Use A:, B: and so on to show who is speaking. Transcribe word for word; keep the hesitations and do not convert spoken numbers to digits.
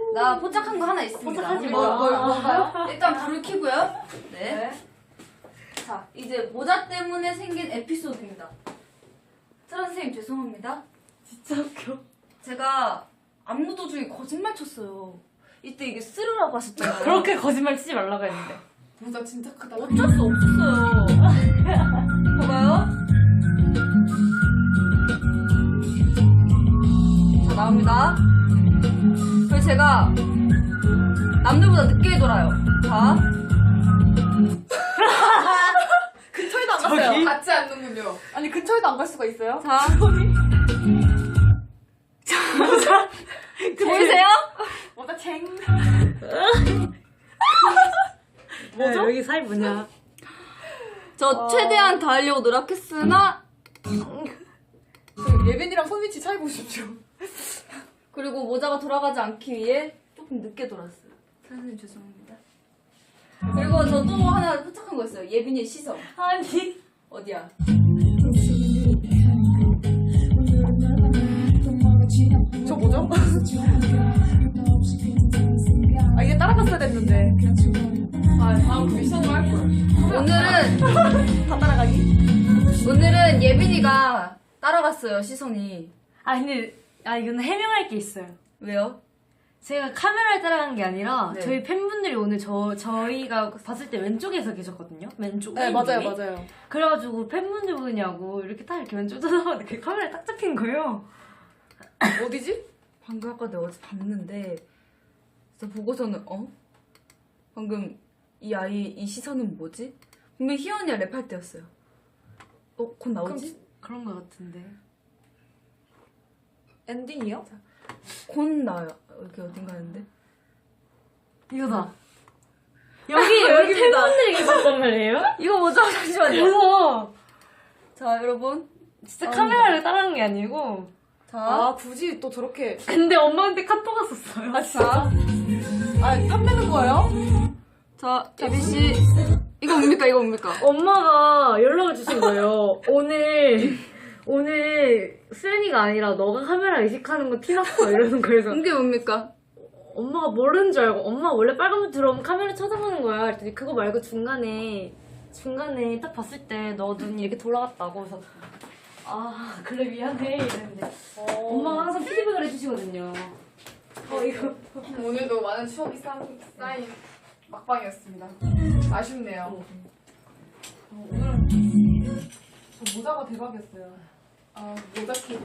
A: 나 포착한 거 하나 있습니다.
B: 포착하지
A: 뭐,
B: 마.
A: 뭘, 뭔가요? 일단 불을 켜고요. 네.
B: 네.
A: 자, 이제 모자 때문에 생긴 에피소드입니다. 트란 선생님 죄송합니다.
B: 진짜 웃겨.
A: 제가 안무 도중에 거짓말 쳤어요. 이때 이게 쓰르라고 하셨잖아요.
B: 그렇게 거짓말 치지 말라고 했는데.
C: 모자 진짜 크다.
A: 어쩔 수 없었어요. 봐봐요. 자, 나옵니다. 그리고 제가 남들보다 늦게 돌아요. 자.
C: 근처에도 안
B: 저기?
C: 갔어요. 같지 않는군요. 아니 근처에도 안 갈 수가 있어요?
A: 자.
B: 모자.
A: 보이세요?
C: 모자 챙.
B: 뭐죠? 여기 사이 뭐냐?
A: 저
C: 어...
A: 최대한 다 하려고 노력했으나
C: 예빈이랑 손위치 차이 보십시오.
A: 그리고 모자가 돌아가지 않기 위해 조금 늦게 돌았어요. 선생님 죄송합니다. 그리고 저 또 하나 포착한 거 있어요. 예빈이의 시선.
B: 아니.
A: 어디야?
C: 저 뭐죠? 아 이게 따라갔어야 됐는데. 아 다음 미션을 할 걸.
A: 오늘은
C: 다 따라가기?
A: 오늘은 예빈이가 따라갔어요. 시선이.
B: 아 근데 아 이거는 해명할 게 있어요.
A: 왜요?
B: 제가 카메라에 따라간 게 아니라
A: 네.
B: 저희 팬분들이 오늘 저 저희가 봤을 때 왼쪽에서 계셨거든요. 왼쪽.
C: 네
B: 맨
C: 맞아요
B: 위에.
C: 맞아요.
B: 그래가지고 팬분들 보느냐고 이렇게 딱 이렇게 왼쪽 쳐다보는데 그 카메라에 딱 잡힌 거예요.
C: 어디지?
A: 방금 아까 내가 어제 봤는데 진짜 보고서는 어? 방금 이 아이 이 시선은 뭐지? 분명히 희연이가 랩할 때였어요. 어? 곧 나오지?
B: 그런 거 같은데.
C: 엔딩이요?
A: 곧 나와요. 여기 어딘가 했는데
B: 이거다. 여기 여기 팬분들이 계셨단 말이에요?
A: 이거 뭐죠? 잠시만요.
B: 그래서
A: 자 여러분
B: 진짜
A: 아,
B: 카메라를 따라간 게 아니고.
A: 자,
C: 아 굳이 또 저렇게.
B: 근데 엄마한테 카톡 왔었어요.
C: 아 진짜? 아 탐내는 거예요?
A: 자 예빈씨 이거 뭡니까 이거 뭡니까?
B: 엄마가 연락을 주신 거예요. 오늘 오늘 수연이가 아니라 너가 카메라 의식하는 거 티났어 이러는 거예요.
A: 이게 뭡니까?
B: 엄마가 모르는 줄 알고 엄마 원래 빨간불 들어오면 카메라 쳐다보는 거야. 그랬더니 그거 말고 중간에 중간에 딱 봤을 때 너 눈이 이렇게 돌아갔다고. 그래서 아 그래 미안해 이랬는데
C: 어...
B: 엄마가 항상 피드백을 해주시거든요. 어 이거
C: 오늘도 많은 추억이 쌓인, 쌓인 막방이었습니다. 아쉽네요. 어, 오늘 저 모자가 대박이었어요. 아 모자 키